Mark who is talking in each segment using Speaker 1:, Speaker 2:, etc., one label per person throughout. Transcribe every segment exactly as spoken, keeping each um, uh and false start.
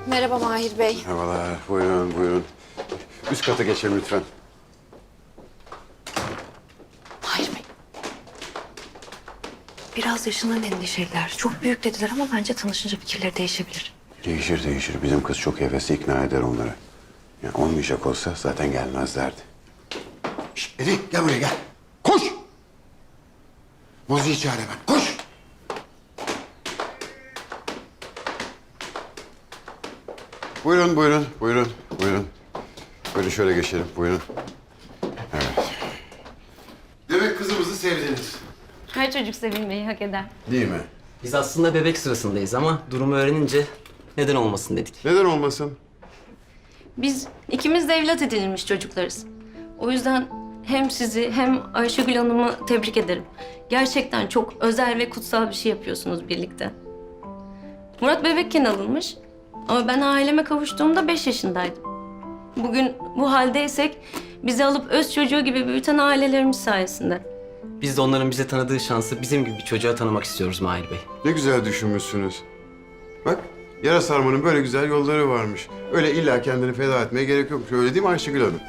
Speaker 1: Merhaba Mahir Bey.
Speaker 2: Merhabalar, buyurun, buyurun. Üst kata geçelim lütfen.
Speaker 1: Mahir Bey. Biraz yaşından endişeliler. Çok büyük dediler ama bence tanışınca fikirleri değişebilir.
Speaker 2: Değişir, değişir. Bizim kız çok hevesli, ikna eder onları. Yani olmayacak olsa zaten gelmezlerdi. Şişt, Edi, gel buraya gel. Koş! Mozi'yi çağır hemen, koş! Buyurun, buyurun, buyurun, buyurun. Böyle şöyle geçelim, buyurun. Evet. Demek kızımızı sevdiniz.
Speaker 3: Her çocuk sevilmeyi hak eder.
Speaker 2: Değil mi?
Speaker 4: Biz aslında bebek sırasındayız ama durumu öğrenince neden olmasın dedik.
Speaker 2: Neden olmasın?
Speaker 3: Biz ikimiz de evlat edinilmiş çocuklarız. O yüzden hem sizi hem Ayşegül Hanım'ı tebrik ederim. Gerçekten çok özel ve kutsal bir şey yapıyorsunuz birlikte. Murat bebekken alınmış ama ben aileme kavuştuğumda beş yaşındaydım. Bugün bu haldeysek bizi alıp öz çocuğu gibi büyüten ailelerimiz sayesinde.
Speaker 4: Biz de onların bize tanıdığı şansı bizim gibi bir çocuğa tanımak istiyoruz Mahir Bey.
Speaker 2: Ne güzel düşünmüşsünüz. Bak, yara sarmanın böyle güzel yolları varmış. Öyle illa kendini feda etmeye gerek yokmuş. Öyle değil mi Ayşegül Hanım?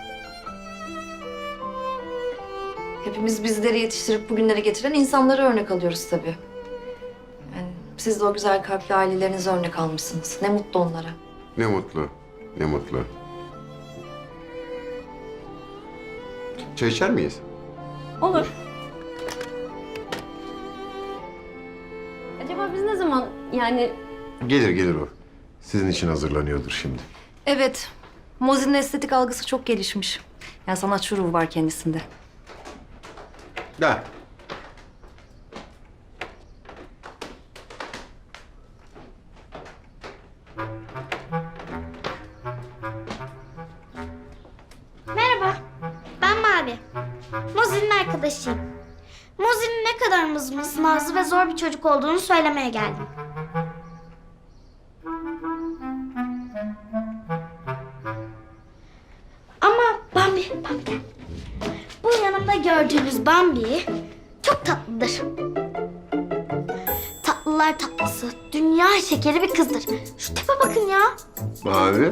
Speaker 1: Hepimiz bizleri yetiştirip bugünlere getiren insanlara örnek alıyoruz tabii. Yani siz de o güzel kalpli ailelerinize örnek almışsınız. Ne mutlu onlara.
Speaker 2: Ne mutlu, ne mutlu. Çay içer miyiz?
Speaker 3: Olur. Acaba biz ne zaman yani
Speaker 2: Gelir, gelir o. Sizin için hazırlanıyordur şimdi.
Speaker 1: Evet. Mozi'nin estetik algısı çok gelişmiş. Yani sanatçı ruhu var kendisinde.
Speaker 2: Gel.
Speaker 5: Merhaba, ben Mavi. Mozi'nin arkadaşıyım. Mozi'nin ne kadar mızmız, nazlı ve zor bir çocuk olduğunu söylemeye geldim. Ama Bambi, Bambi gel. Bu yanımda gördüğünüz Bambi çok tatlıdır. Tatlılar tatlısı, dünya şekeri bir kızdır. Şu tipe bakın ya.
Speaker 2: Mavi.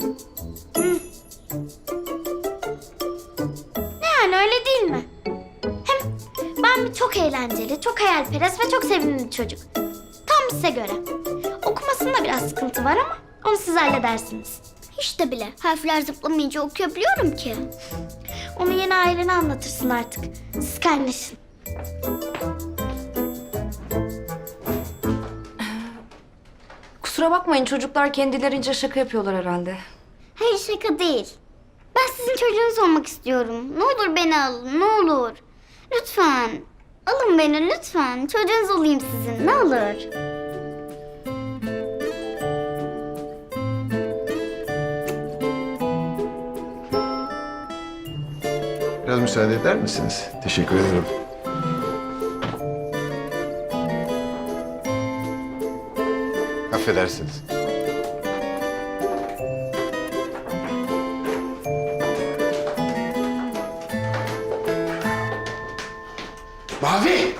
Speaker 5: Yani öyle değil mi? Hem Bambi çok eğlenceli, çok hayalperest ve çok sevimli bir çocuk. Tam size göre. Okumasında biraz sıkıntı var ama onu siz halledersiniz. Hiç de bile. Harfler zıplamayınca okuyabiliyorum ki. Onu yeni ailene anlatırsın artık. Siz kaynaşın.
Speaker 1: Kusura bakmayın, çocuklar kendilerince şaka yapıyorlar herhalde.
Speaker 5: Hayır, şaka değil. Ben sizin çocuğunuz olmak istiyorum. Ne olur beni alın, ne olur. Lütfen. Alın beni lütfen. Çocuğunuz olayım sizin, ne olur.
Speaker 2: Biraz müsaade eder misiniz? Teşekkür ederim. Affedersiniz. Mavi!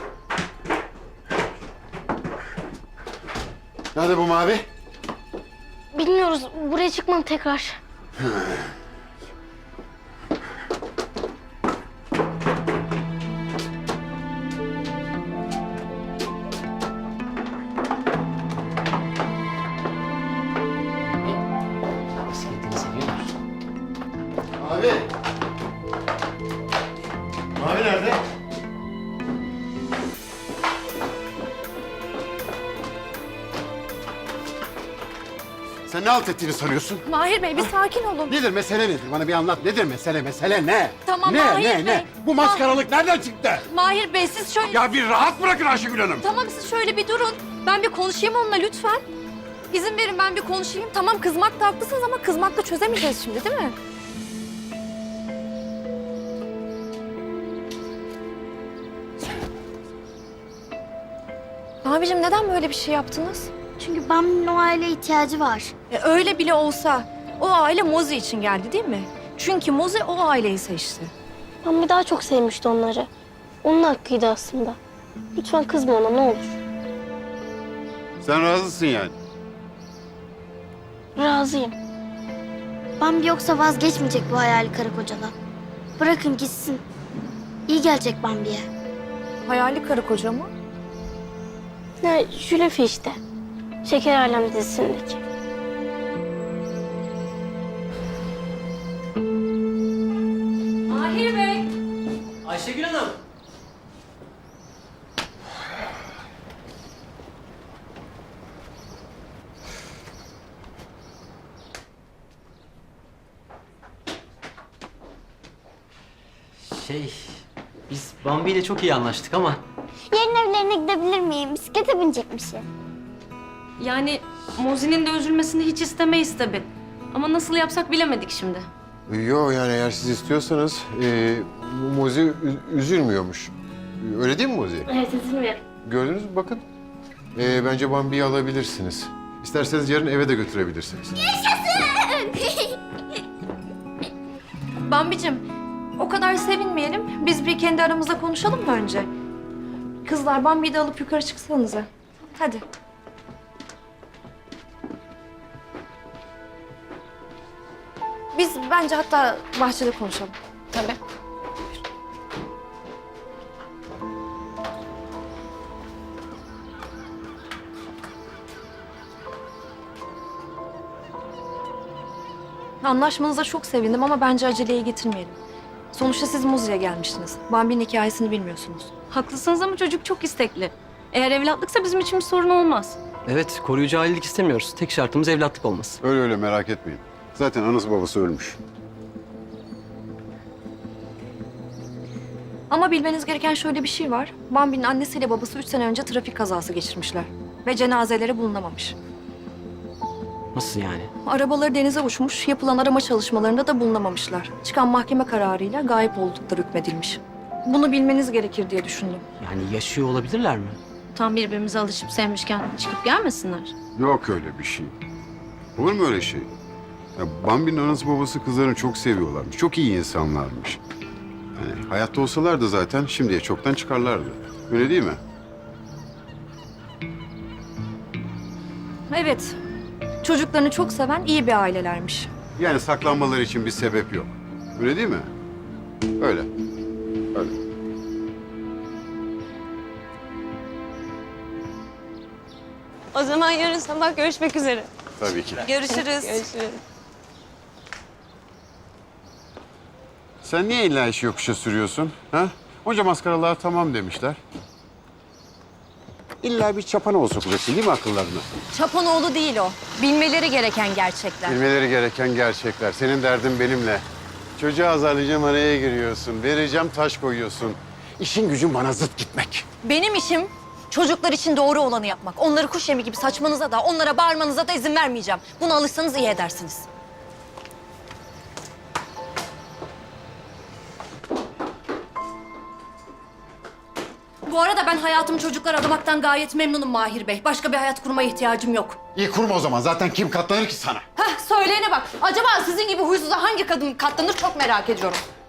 Speaker 2: Nerede bu Mavi?
Speaker 5: Bilmiyoruz. Buraya çıkmam tekrar.
Speaker 4: Bisikletini seviyor musun?
Speaker 2: Mavi! Mavi nerede? Sen ne halt ettiğini sanıyorsun?
Speaker 1: Mahir Bey bir sakin olun.
Speaker 2: Nedir mesele nedir? Bana bir anlat. Nedir mesele? Mesele ne?
Speaker 1: Tamam,
Speaker 2: ne,
Speaker 1: Mahir
Speaker 2: ne,
Speaker 1: Bey.
Speaker 2: ne? Bu maskaralık nereden çıktı?
Speaker 1: Mahir Bey siz şöyle...
Speaker 2: Ya bir rahat bırakın Ayşegül Hanım.
Speaker 1: Tamam siz şöyle bir durun. Ben bir konuşayım onunla lütfen. İzin verin ben bir konuşayım. Tamam kızmakta haklısınız ama kızmakla çözemeyeceğiz şimdi değil mi? Abicim neden böyle bir şey yaptınız?
Speaker 5: Çünkü Bambi'nin o aileye ihtiyacı var.
Speaker 1: E, öyle bile olsa o aile Mozi için geldi değil mi? Çünkü Mozi o aileyi seçti.
Speaker 5: Bambi daha çok sevmişti onları. Onun hakkıydı aslında. Lütfen kızma ona ne olur.
Speaker 2: Sen razısın yani.
Speaker 5: Razıyım. Bambi yoksa vazgeçmeyecek bu hayali karı kocadan. Bırakın gitsin. İyi gelecek Bambi'ye.
Speaker 1: Hayali karı koca mı?
Speaker 5: Ne, Jülefi işte. Şeker Alem dizisindeki.
Speaker 3: Mahir Bey.
Speaker 4: Ayşegül Hanım. Şey, biz Bambi ile çok iyi anlaştık ama
Speaker 5: Yarın evlerine gidebilir miyim? Bisiklete binecekmişim.
Speaker 3: Yani Mozi'nin de üzülmesini hiç istemeyiz tabii. Ama nasıl yapsak bilemedik şimdi.
Speaker 6: Yok yani eğer siz istiyorsanız e, Mozi ü- üzülmüyormuş. Öyle değil mi Mozi?
Speaker 5: Evet, üzülmüyorum.
Speaker 6: Gördünüz mü bakın. E, bence Bambi'yi alabilirsiniz. İsterseniz yarın eve de götürebilirsiniz.
Speaker 1: Bambicim, o kadar sevinmeyelim. Biz bir kendi aramızda konuşalım mı önce? Kızlar, Bambi'yi de alıp yukarı çıksanıza. Hadi. Biz bence hatta bahçede konuşalım. Tabii. Anlaşmanıza çok sevindim ama bence aceleye getirmeyelim. Sonuçta siz Muzi'ye gelmiştiniz. Bambi'nin hikayesini bilmiyorsunuz.
Speaker 3: Haklısınız ama çocuk çok istekli. Eğer evlatlıksa bizim için bir sorun olmaz.
Speaker 4: evet koruyucu ailelik istemiyoruz. Tek şartımız evlatlık olması.
Speaker 2: Öyle öyle merak etmeyin. Zaten anası babası ölmüş.
Speaker 1: Ama bilmeniz gereken şöyle bir şey var. Bambi'nin annesiyle babası üç sene önce trafik kazası geçirmişler. Ve cenazeleri bulunamamış.
Speaker 4: Nasıl yani?
Speaker 1: Arabaları denize uçmuş, yapılan arama çalışmalarında da bulunamamışlar. Çıkan mahkeme kararıyla gayip oldukları hükmedilmiş. Bunu bilmeniz gerekir diye düşündüm.
Speaker 4: Yani yaşıyor olabilirler mi?
Speaker 3: Tam birbirimize alışıp sevmişken çıkıp gelmesinler.
Speaker 2: Yok öyle bir şey. Olur mu öyle şey? Ya Bambi'nin anası babası kızlarını çok seviyorlarmış. Çok iyi insanlarmış. Yani hayatta olsalardı zaten şimdiye çoktan çıkarlardı. Öyle değil mi?
Speaker 1: Evet, çocuklarını çok seven iyi bir ailelermiş.
Speaker 2: Yani saklanmaları için bir sebep yok. Öyle değil mi? Öyle. Öyle.
Speaker 7: O zaman yarın sabah görüşmek üzere.
Speaker 2: Tabii ki.
Speaker 7: Görüşürüz. Görüşürüz.
Speaker 2: Sen niye illa işi yokuşa sürüyorsun? Ha? Onca maskaralar tamam demişler. İlla bir çapanoğlu sokacaksın değil mi akıllarına?
Speaker 1: Çapanoğlu değil o. Bilmeleri gereken gerçekler.
Speaker 2: Bilmeleri gereken gerçekler. Senin derdin benimle. Çocuğu azarlayacağım araya giriyorsun. Vereceğim taş koyuyorsun. İşin gücün bana zıt gitmek.
Speaker 8: Benim işim çocuklar için doğru olanı yapmak. Onları kuş yemi gibi saçmanıza da, onlara bağırmanıza da izin vermeyeceğim. Buna alışsanız iyi edersiniz. Bu arada ben hayatımı çocuklar adamaktan gayet memnunum Mahir Bey. Başka bir hayat kurmaya ihtiyacım yok.
Speaker 2: İyi kurma o zaman. Zaten kim katlanır ki sana?
Speaker 8: Heh, söyleyene bak. Acaba sizin gibi huysuza hangi kadın katlanır çok merak ediyorum.